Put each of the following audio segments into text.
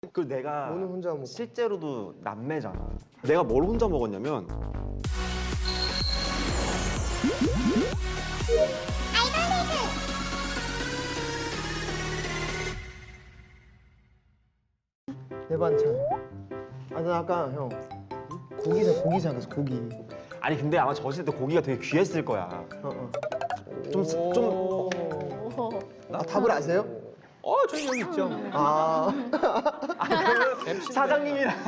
그 내가 오늘 혼자 먹고. 실제로도 남매잖아. 내가 뭘 혼자 먹었냐면 내 반찬. 아, 나 아까 형 고기 생각했어. 고기. 아니 근데 아마 저었을 때 고기가 되게 귀했을 거야. 좀 아, 답을 아세요? 저희 여기 있죠. 아, 사장님이랑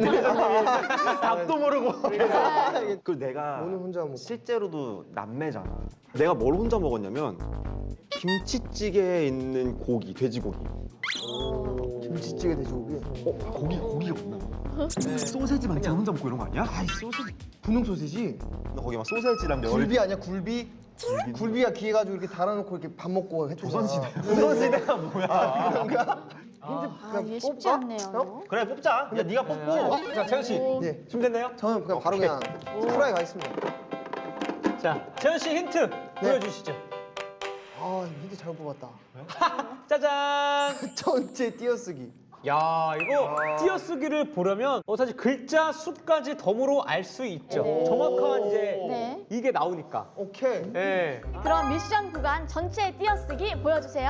답도 모르고. 그 내가 오늘 혼자 먹고. 실제로도 남매잖아. 내가 뭘 혼자 먹었냐면 김치찌개에 있는 고기, 돼지고기. 김치찌개 돼지고기. 고기가 없나 봐. 소세지 만찬 혼자 먹고 이런 거 아니야? 아이, 소시지. 분홍 소시지? 나 거기 막 소세지랑 굴비 아니야, 굴비? 굴비가 귀해가지고 이렇게 달아놓고 이렇게 밥 먹고 해주잖아. 조선시대가 뭐야? 그런가? 이게 쉽지 않네요. 형? 그래 뽑자. 야 네가 뽑고. 자, 채연 씨. 네. 준비됐나요? 저는 그냥 바로 그냥 후라이 가겠습니다. 자, 채연 씨 힌트 보여주시죠. 아, 힌트 잘못 뽑았다. 짜잔. 전체 띄어쓰기. 야, 이거 띄어쓰기를 보려면 사실 글자 수까지 덤으로 알 수 있죠. 정확한 이제 네. 이게 나오니까. 오케이. 예. 그럼 미션 구간 전체 띄어쓰기 보여주세요.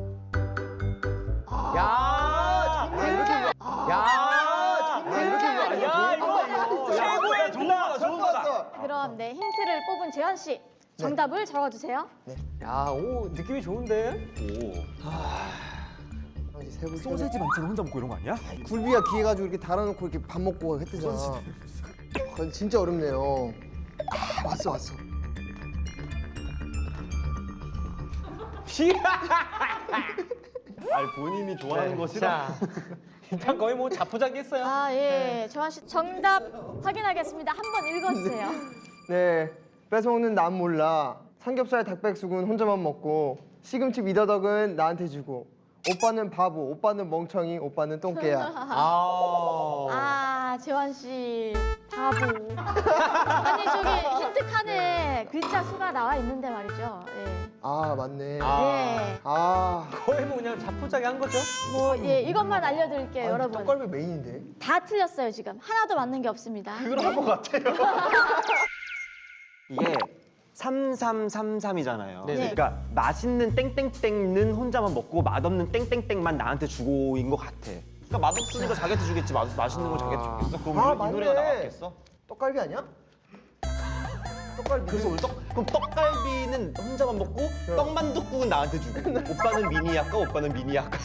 야, 아, 이렇게 야, 야, 이거 최고의 누나. 처음 봤어. 그럼 네 힌트를 뽑은 재현 씨 정답을 적어주세요. 야, 오 느낌이 좋은데. 소세지 만찬 혼자 먹고 이런 거 아니야? 굴비가 귀해가지고 이렇게 달아놓고 이렇게 밥 먹고 했대잖아. 진짜 어렵네요. 아, 왔어. 아니 본인이 좋아하는 것이다. 자, 일단 거의 뭐 자포자기했어요. 아 예, 재현 씨 정답 확인하겠습니다. 한번 읽어주세요. 네, 뺏어먹는 난 몰라. 삼겹살 닭백숙은 혼자만 먹고 시금치 미더덕은 나한테 주고 오빠는 바보, 오빠는 멍청이, 오빠는 똥개야. 아, 재환 씨 바보. 아니 저기 힌트 칸에 글자 수가 나와 있는데 말이죠. 예. 아, 맞네. 예. 아, 거의 뭐 그냥 자포자기 한 거죠. 뭐 예, 이것만 알려드릴게요, 아니, 여러분. 떡갈비 메인인데. 다 틀렸어요 지금. 하나도 맞는 게 없습니다. 그런 것 같아요. 이게 3333이잖아요. 네. 그러니까 맛있는 땡땡땡은 혼자만 먹고 맛없는 땡땡땡만 나한테 주고인 것 같아. 그러니까 맛없으니까 자기한테 주겠지. 맛있는 걸 자기한테 주겠어? 그럼 아, 이 맞네. 노래가 나왔겠어? 떡갈비 아니야? 떡갈비. 그래서 오늘 그럼 떡갈비는 혼자만 먹고 떡만둣국은 나한테 주고 오빠는 미니 할까? 오빠는 미니 할까?